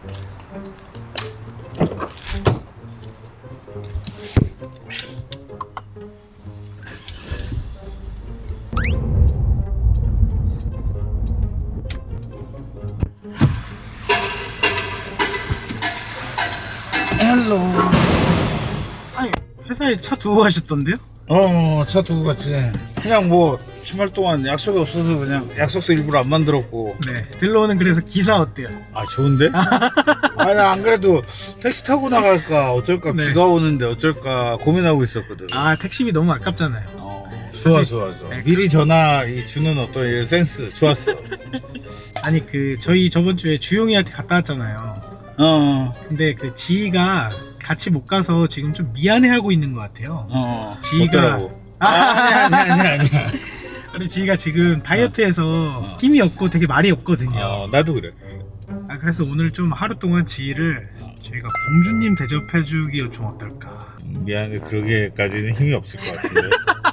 헬로. 아니 회사에 차 두고 가셨던데요? 차 두고 갔지. 그냥 뭐 주말 동안 약속이 없어서 그냥 약속도 일부러 안 만들었고. 네. 들러오는 그래서 기사 어때요? 아 좋은데? 아니 안 그래도 택시 타고 나갈까 어쩔까 네. 비가 오는데 어쩔까 고민하고 있었거든. 아 택시비 너무 아깝잖아요. 좋아 사실- 좋아. 네. 미리 전화 이 주는 어떤 이런 센스 좋았어. 아니 그 저희 저번 주에 주용이한테 갔다 왔잖아요. 근데 그 지희가 같이 못 가서 지금 좀 미안해하고 있는 것 같아요. 지희가- 어쩌라고? 아니야. 그리고 지희가 지금 다이어트해서 힘이 없고 되게 말이 없거든요. 나도 그래. 그래서 오늘 좀 하루 동안 지희를 저희가 공주님 대접해주기 좀 어떨까? 미안해 그러게까지는 힘이 없을 것 같은데.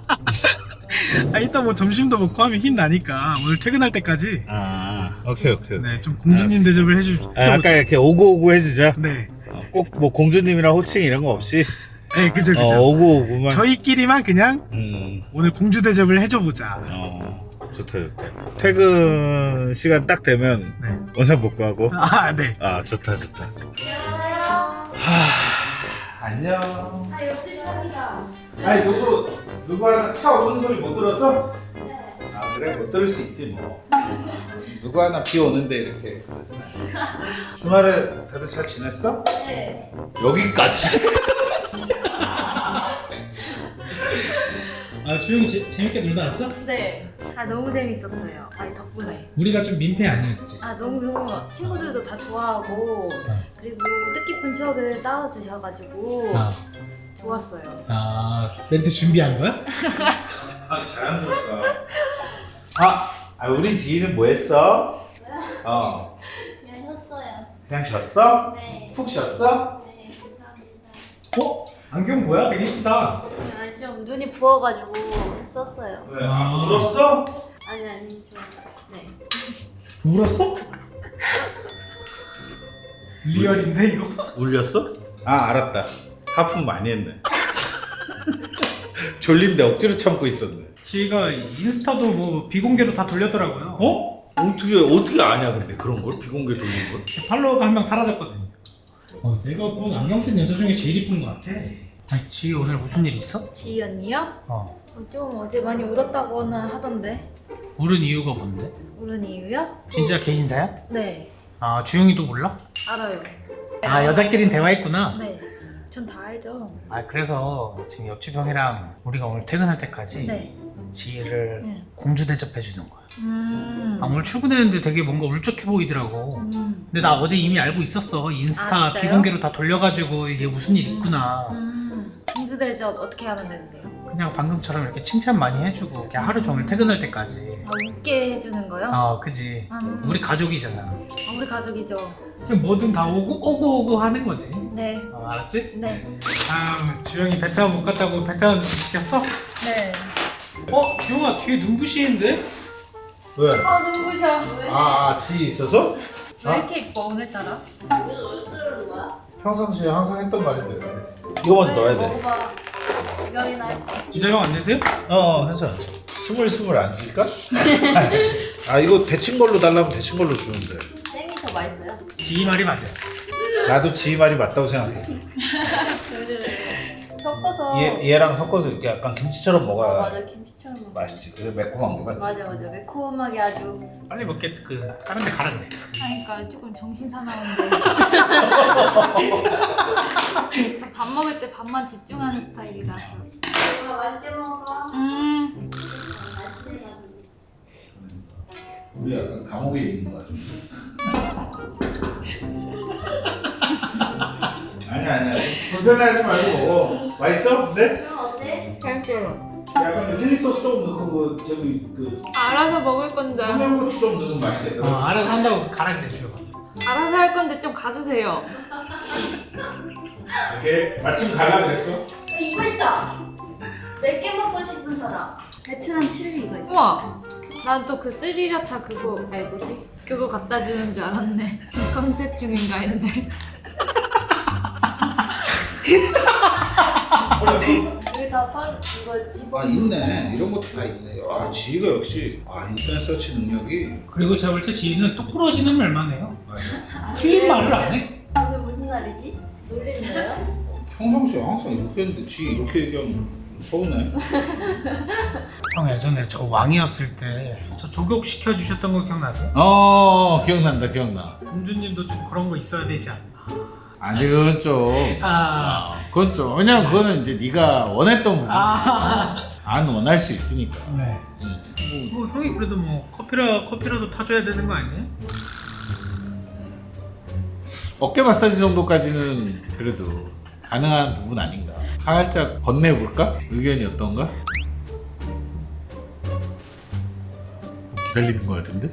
이따 뭐 점심도 먹고 하면 힘 나니까 오늘 퇴근할 때까지 오케이. 네, 좀 공주님 알았어. 대접을 해주죠. 아까 이렇게 오구오구 해주자. 네, 꼭 뭐 공주님이랑 호칭 이런 거 없이. 네, 그죠. 오구오구만. 저희끼리만 그냥 오늘 공주 대접을 해줘보자. 좋다. 퇴근 시간 딱 되면 네. 원상 복구하고. 네. 좋다. 안녕. 옆집 편이다. 아니 누구 하나 차 오는 소리 못 들었어? 네. 그래 못 들을 수 있지 뭐. 누구 하나 비 오는데 이렇게 그러진 않아. 주말에 다들 잘 지냈어? 네. 여기까지. 주용이 재밌게 놀다 왔어? 네. 너무 재밌었어요. 덕분에. 우리가 좀 민폐 아니었지? 너무 친구들도 다 좋아하고 그리고 뜻깊은 추억을 쌓아주셔가지고 좋았어요. 멘트 준비한 거야? 자연스럽다. 우리 지희는 뭐 했어? 그냥 혔어요. 그냥 쉬었어? 네. 푹 쉬었어? 네, 감사합니다. 안경 뭐야? 되게 이쁘다. 좀 눈이 부어가지고 썼어요. 네. 울었어? 아니, 네. 울었어? 리얼인데 이거? 울렸어? 알았다. 하품 많이 했네. 졸린데 억지로 참고 있었네. 지희가 인스타도 뭐 비공개로 다 돌렸더라고요. 어떻게 아냐 근데 그런 걸 비공개 돌린 걸? 팔로워가 한 명 사라졌거든요. 내가 본 안경 쓴 여자 중에 제일 이쁜 것 같아. 지희 오늘 무슨 일 있어? 지희 언니요? 좀 어제 많이 울었다고는 하던데. 울은 이유가 뭔데? 울은 이유요? 진짜 개인사야? 네. 주영이도 몰라? 알아요. 여자끼린 대화했구나. 네. 전 다 알죠. 그래서 지금 옆집 형이랑 우리가 오늘 퇴근할 때까지 네. 지희를 네. 공주 대접해 주는 거야. 오늘 출근했는데 되게 뭔가 울적해 보이더라고. 근데 나 어제 이미 알고 있었어. 인스타 진짜요? 비공개로 다 돌려가지고 이게 무슨 일 있구나. 공주 대접 어떻게 하면 되는데요? 그냥 방금처럼 이렇게 칭찬 많이 해주고 그냥 하루 종일 퇴근할 때까지. 웃게 해주는 거요? 그지. 우리 가족이잖아. 우리 가족이죠. 그냥 뭐든 다 오고 하는 거지. 네. 알았지? 네. 주영이 베트남 못 갔다고 베트남 음식 시켰어? 네. 주영아 뒤에 눈부시는데? 왜? 눈부셔. 지희 있어서? 왜 이렇게 이뻐 오늘따라? 평상시에 항상 했던 말인데. 이거 먼저 넣어야 돼. 이거이나 할게. 진짜 형 안 되세요? 괜찮아. 스물스물 앉을까? 이거 데친 걸로 달라면 데친 걸로 주는데. 생이 더 맛있어요? 지희 말이 맞아요. 나도 지희 말이 맞다고 생각했어. 섞어서. 얘랑 섞어서 이렇게 약간 김치처럼 먹어야 맞아, 김치처럼 먹어. 맛있지. 그래 매콤한 게 맛있지. 맞아. 매콤하게 아주. 빨리 먹게 다른 데 가란데. 그러니까 조금 정신 사나운데. 저 밥 먹을 때 밥만 집중하는 스타일이라서. 맛있게 먹어. 우리 약간 감옥에 있는 거 같아. 아니야. 불편해하지 말고 먹어. 맛있어? 근데? 어때? 괜찮아. 약간 그 칠리 소스 좀 넣고 알아서 먹을 건데. 청양고추 좀 넣으면 맛있겠다. 알아서 한다고 가란데 주영아. 알아서 할 건데 좀 가주세요. 이렇게 마침 갈라 그랬어. 이거 있다. 몇 개 먹고 싶은 사람. 베트남 칠리 이거 있어. 우와. 난 또 그 스리라차 그거 뭐지? 그거 갖다 주는 줄 알았네. 컨셉 중인가 했네. 여기 다 팔, 이거 집어. 아 있네. 이런 것도 다 있네. 아 지희가 역시 인터넷 서치 능력이. 그리고 제가 볼 때 지희는 똑부러지는 말만 해요. 맞아. 틀린 말을 안 해. 오늘 무슨 날이지? 놀리는 거예요? 평상시에 항상 이렇게 했는데 지희 이렇게 얘기하면 좀 서운해. 형 예전에 저 왕이었을 때 저 조격 시켜주셨던 거 기억나세요? 기억난다 기억나. 공주님도 좀 그런 거 있어야 되지 않나. 아니 그건 좀. 그건 좀. 왜냐면 그거는 이제 네가 원했던 부분. 안 원할 수 있으니까. 네. 뭐 형이 그래도 뭐 커피라도 타줘야 되는 거 아니에요? 어깨 마사지 정도까지는 그래도 가능한 부분 아닌가. 살짝 건네볼까? 의견이 어떤가? 기다리는 거 같은데?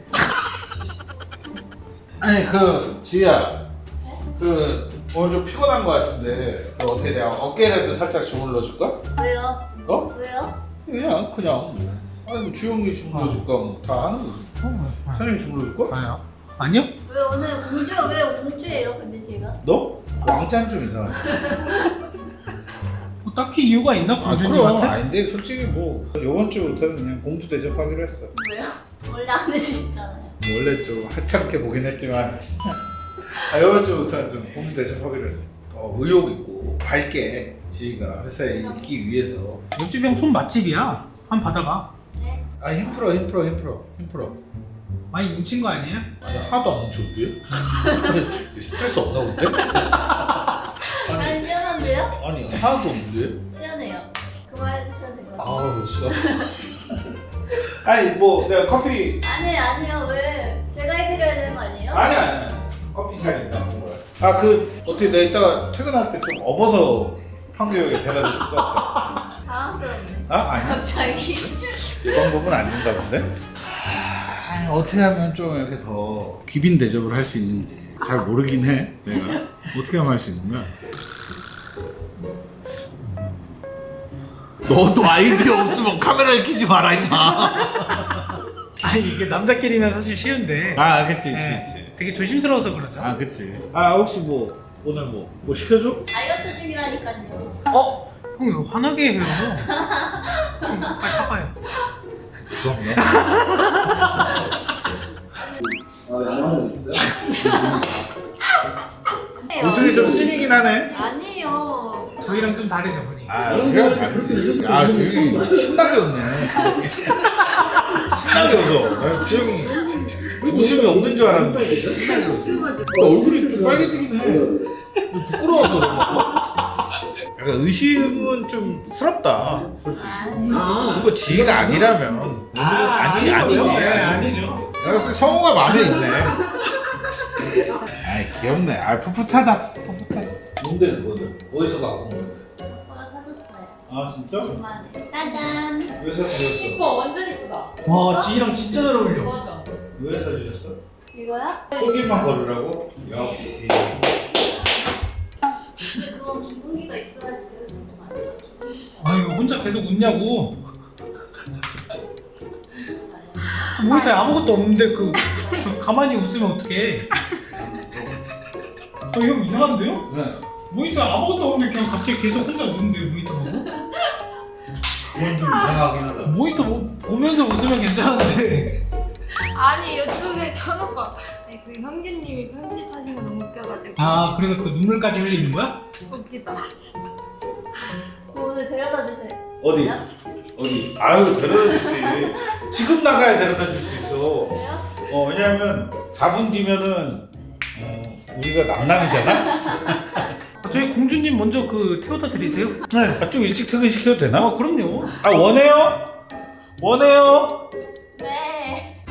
아니 지희야 오늘 좀 피곤한 거 같은데 어떻게 내가 어깨라도 살짝 주물러 줄까? 왜요? 어? 왜요? 그냥 아니 뭐 주영이 주물러 줄까 뭐 다 하는 거지. 찬영이 주물러 줄까? 아니요? 왜 오늘 왜 공주예요? 근데 제가? 너? 왕자는 좀 이상하네. 뭐 딱히 이유가 있나 그럼 공주님한테? 아닌데 솔직히 뭐 요번 주부터는 그냥 공주 대접하기로 했어. 왜요? 원래 안 해주셨잖아요. 원래 좀 하찮게 보긴 했지만 요번 주부터는 좀 공주 대접하기로 했어. 의욕 있고 밝게 지희가 회사에 있기 위해서. 옆집 형 손 맛집이야. 한 받아가. 네? 힘풀어. 많이 뭉친 거 아니에요? 아니 하나도 안 뭉쳤는데? 스트레스 없나 본데? 아니 시원한데요? 아니 하나도 없는데? 시원해요. 그만해주셔도 될 것 같아요. 싫어. 아니 뭐 내가 커피 아니요 왜? 제가 해드려야 되는 거 아니에요? 아니야 커피 잘 있나 본 거야. 어떻게 내가 이따가 퇴근할 때 좀 업어서 판교역에 데려다 줄 것 같아. 당황스럽네. 아니 갑자기. 이 방법은 아닌가 본데? 어떻게 하면 좀 이렇게 더 귀빈 대접을 할 수 있는지 잘 모르긴 해. 내가 어떻게 하면 할 수 있는 거야? 너도 아이디어 없으면 카메라를 켜지 마라 임마. 아니 이게 남자끼리면 사실 쉬운데 그치. 되게 조심스러워서 그러죠. 그치. 혹시 오늘 뭐 시켜줘? 다이어트 중이라니까요. 형 이거 화나게 해요. 형, 빨리 사과해요. 웃음이 좀 찐이긴 하네. 아니에요. 저희랑 좀 다르죠 분이. 우리랑 다르지. 주영이 신나게 웃네. 신나게 웃어. 주영이 웃음이 없는 줄 알았는데 신나게 웃어. 얼굴이 좀 빨개지긴 해. 부끄러워서 그런가? 약간 의심은 좀 스럽다. 솔직히. 이거 지희가 아니라면 아니지. 아니죠. 내가 봤을 때 성우가 마음에 있네. 귀엽네. 풋풋하다. 뭔데 그거는? 어디서 갖고 온 건데? 오빠가 사줬어요. 진짜? 주말에. 짜잔. 왜 사주셨어? 이뻐, 완전 이쁘다. 와 지희랑 진짜 잘 어울려. 맞아. 왜 사주셨어? 이거야? 꽃길만 걸으라고? 역시. 근데 그건 기분기가 있어야지 배울 수 있는 거 아니에요? 아니 혼자 계속 웃냐고. 모니터에 아무것도 없는데 가만히 웃으면 어떡해. 형 이상한데요? 네. 모니터에 아무것도 없는데 그냥 갑자기 계속 혼자 웃는데 모니터 보고? 그건 좀 이상하긴 하다. 모니터 보면서 웃으면 괜찮은데. 아니, 유튜브에 켜놓고. 그 형제님이 편집하신 거 너무 웃겨가지고. 그래서 그 눈물까지 흘리는 거야? 웃기다. 오늘 데려다 주세요. 어디? 데려다 주지. 지금 나가야 데려다 줄 수 있어. 왜요? 왜냐면 4분 뒤면은 우리가 남남이잖아? 저희 공주님 먼저 태워다 드리세요. 네. 좀 일찍 퇴근시켜도 되나? 그럼요. 원해요? 네.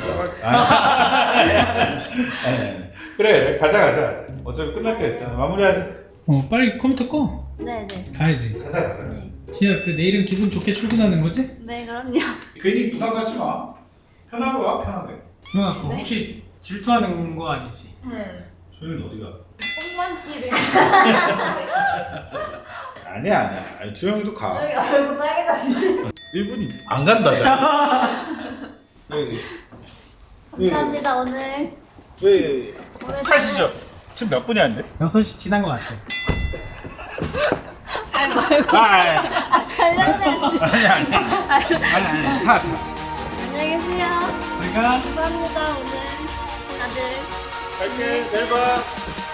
그래 가자. 어차피 끝날 게 됐잖아. 마무리하자. 빨리 컴퓨터 꺼. 네네. 가야지. 가자. 지희야 내일은 기분 좋게 출근하는 거지? 네 그럼요. 괜히 부담 갖지 마. 편하게 와 편하게. 누나 혹시 질투하는 거 아니지? 응. 주영이 어디가? 뽕만치를. 아니야. 주영이도 가. 여기 얼굴 빨개졌는데. 1분이 안 간다잖아. 감사합니다 오늘. 왜 타시죠? 지금 몇 분이 안 돼? 6시 지난 것 같아. 아이고 아이고. 잘렸네. 아니 타. 안녕히 계세요. 내가 감사합니다 오늘 다들. 갈게. 내일 봐.